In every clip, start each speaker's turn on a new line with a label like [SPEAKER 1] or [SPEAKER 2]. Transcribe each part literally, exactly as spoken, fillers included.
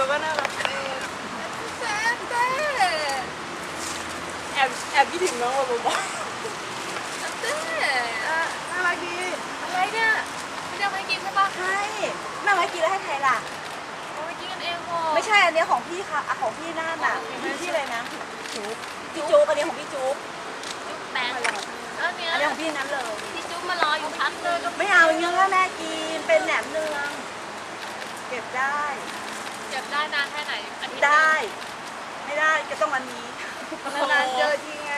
[SPEAKER 1] ก็น่ารักเต้เต้เต้แอบแอบคิดถึงน้องว่าบอกเต้น่ารักดีอะไรเนี่ยไม่ได้ให้กินใช่ปะใช่แม่ไว้กินแล้วให้ใครล่ะเอาไว้กินกันเองพอไม่ใช่อันนี้ของพี่ค่ะอ่ะของพี่นั่นน่ะพี่เลยนะจุ๊บพี่จุ๊บอันนี้ของพี่จุ๊บจุ๊บแบงค์อันนี้ของพี่นั้นเลยพี่จุ๊บมารออยู่พักเลยไม่เอาเนื้อแม่กินเป็นแหนมเนืองเก็บได้เก็บได้นานแค่ไหนอาทิตย์ได้ไม่ได้ก็ต้องอันนี้นานๆเจอทีไง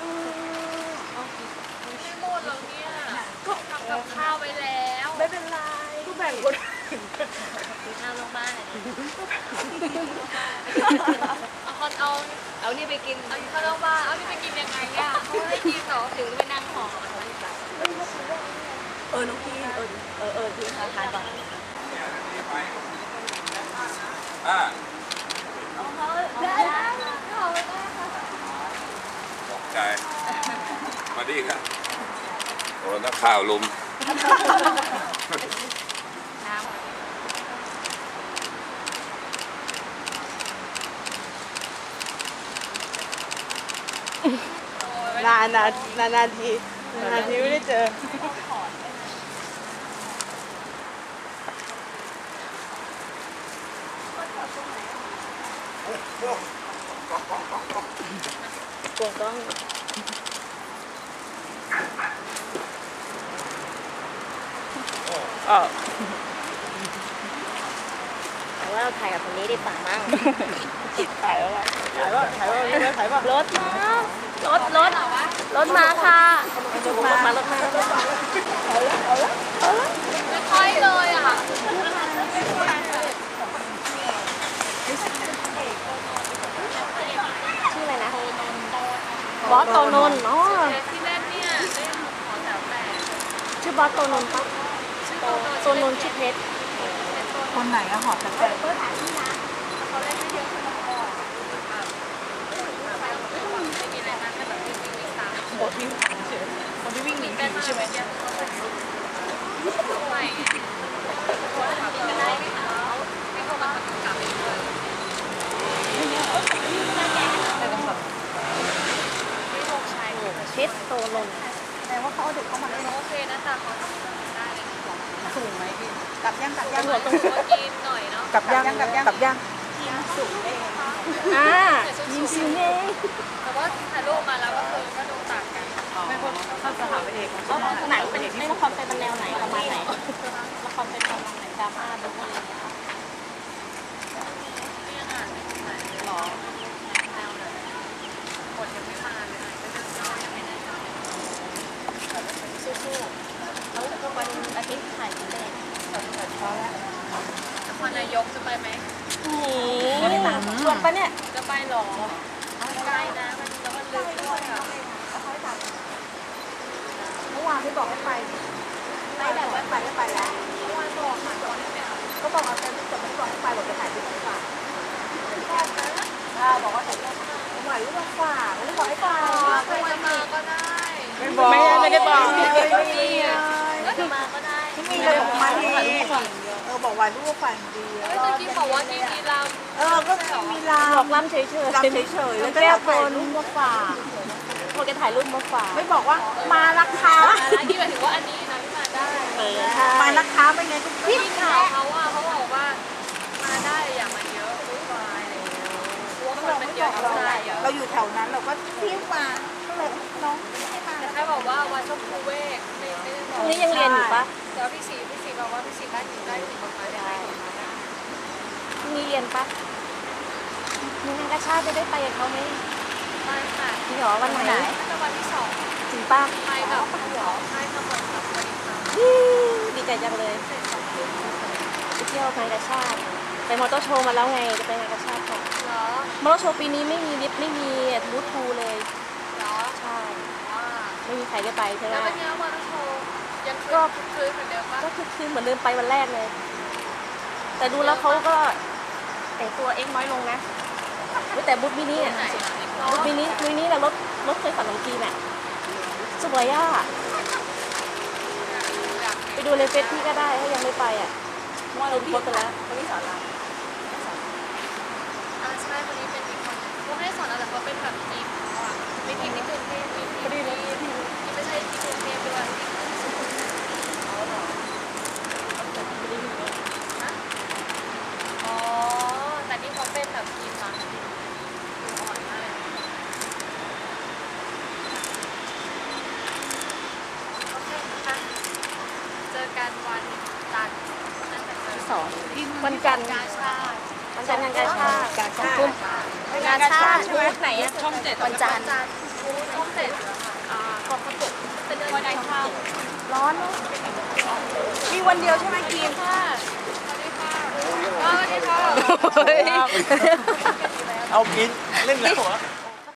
[SPEAKER 1] ไม่หมดหรอกเนี่ยก็ทำกับข้าวไปแล้วไม่เป็นไรก็แบ่งคนกินข้าวลงบ้านเลยเอาคนเอาเอานี่ไปกินเอาข้าวลงบ้านเอานี่ไปกินยังไงอ่ะเขาให้กินเหรอถึงไปนั่งห่อเออน้องพี่เออเออเออพี่ทานทานก่อนอ่าตกใจมาดีครับโอ้นักข่าวลุมนานนานนานนานทีนานทีไม่ได้เจอกวงต้องอ๋อแต่ว่าเราถ่ายกับคนนี้ดีกว่ามั้งถ่ายว่าถ่ายว่าถ่ายว่าถ่ายว่ารถมารถรถรถมาค่ะรถมารถมารถมาเอาละเอาละเอาละไม่ค่อยเลยอ่ะชื่ออะไรนะบอสโตนนท์อ๋อที่เล่นเนี่ยเล่นขอแถวแปดชื่อบอสโตนนท์ปะโตนนท์ชื่อเพชรคนไหนอะหอแถวแปดเปิดถ่ายที่นะเขาเล่นไม่เยอะคนละก่อนไม่มีอะไรมากแค่แบบวิ่งวิ่งตามบอสวิ่งบอสวิ่งหนีผีใช่ไหมเนี่ยไม่คนขับก็ได้ไม่เอาไม่เข้ามาขับกลับไปเลยเพชรโตนนท์แต่ว่าเขาเอาเด็กเข้ามาได้โอเคนะแต่เขาทำได้เลยสูงไหมพี่กลับย่างกลับย่างหัวตรงหัวกินหน่อยเนาะกลับย่างกลับย่างกลับย่างยิงสูงเองอ่ายิงสูงเองแต่ว่าถ่ายรูปมาแล้วก็คือก็ดูต่างกันไม่พวกเข้าสถาปัตยกรรมหนังเป็นไม่ละครเป็นแนวไหนประมาณไหนละครเป็นประมาณไหนดราม่าดูอะไรอย่างเงี้ยนี่อ่านไหนหรอแนวไหนบทยังไม่มาเลยยังไม่ได้สู้ๆแล้ววันอาทิตย์ถ่ายกี่เล่มพอแล้วนครนายกจะไปไหมโอ้โหชวนปะเนี่ยจะไปหรอใกล้นะมันแล้วมันลึกด้วยอ่ะเมื่อวานที่บอกให้ไปไปแต่ว่าไปไม่ไปแล้วเมื่อวานบอกค่ะบอกให้ไปก็บอกเอาแต่แต่ไม่บอกให้ไปบอกจะถ่ายรูปดีกว่าบอกว่าถ่ายรูปหมายรูปฝากไม่ได้บอกให้ไปใครจะมาก็ได้ไม่บอกไม่ได้บอกไม่มีก็จะมาก็ได้ไม่มีเลยบอกมาดีเออบอกว่ารูปฝันดีเฮ้ยตะกี้บอกว่าที่มีลำเออก็มีลำบอกลำเฉยๆลำเฉยๆแล้วก็ถ่ายรูปมาฝากพอแกถ่ายรูปมาฝากไม่บอกว่ามาราคาที่หมายถึงว่าอันนี้นะที่มาได้มาราคาเป็นไงพี่ข่าวเขาว่าเขาบอกว่ามาได้อย่ามาเยอะวุ่นวายอะไรอย่างเงี้ยเพราะว่าคนมันเยอะเราอยู่แถวนั้นเราก็เที่ยวมาก็เลยน้องให้มาแต่แค่บอกว่าวันชมพูเวกไม่ไม่ได้บอกนี่ยังเรียนอยู่ปะเดี๋ยวพี่สีพี่สีบอกว่าพี่สีได้ถึงได้ถึงประมาณได้มีเรียนปะมีงานกระชาติจะได้ไปกับเขาไหมไปค่ะพี่หรอวันไหนจะวันที่สองจริงปะไปกับพี่หรอใช่ทั้งหมดครับวันนี้ค่ะดีใจจังเลยไปเที่ยวงานกระชาติไปมอเตอร์โชว์มาแล้วไงจะไปงานกระชาติก่อนเหรอมอเตอร์โชว์ปีนี้ไม่มีลิฟต์ไม่มีบูธทูเลยเหรอใช่ไม่มีใครได้ไปใช่ไหมแล้วเป็นไงมอเตอร์โชว์ยังก็คือเหมือนเดิมปะก็คือคือเหมือนเดิมไปวันแรกเลยแต่ดูแล้วเขาก็แต่งตัวเอ็กน้อยลงนะแต่บูธมินิอ่ะบูธมินิมินิแล้วรถรถเคยฝันของจีนอ่ะสวยอ่ะไปดูในเฟซพี่ก็ได้ถ้ายังไม่ไปอ่ะว่าเราโพสต์ไปแล้วเขาไม่สอนเรา
[SPEAKER 2] เป็นแบบทีมเขาอ่ะไม่ทีมที่กรุงเทพมีทีมที่ไม่ใช่ที่กรุงเทพด้วยอ๋อแต่นี่เขาเป็นแบบทีมรักทีมอ่อนมากโอเคค่ะเจอกันวันจันทร์น่าจะเจอ
[SPEAKER 1] สองวันจันทร์
[SPEAKER 2] กาชาติ
[SPEAKER 1] วันจันทร์งานกาชาติกาชาติ
[SPEAKER 2] งานชาติ
[SPEAKER 1] ใช่ไหมไหนอะช่องเจ็ด
[SPEAKER 2] วันจันทร์ช่องเจ็ดอ่ากองประกบเป็นเดือนวันข้าว
[SPEAKER 1] ร้อนเนอะมีวันเดียวใช่ไหมกีม
[SPEAKER 2] ค่ะสวัสดีค่ะสวัสดีค่ะ
[SPEAKER 3] เอากินเล่นแล้วเหรอ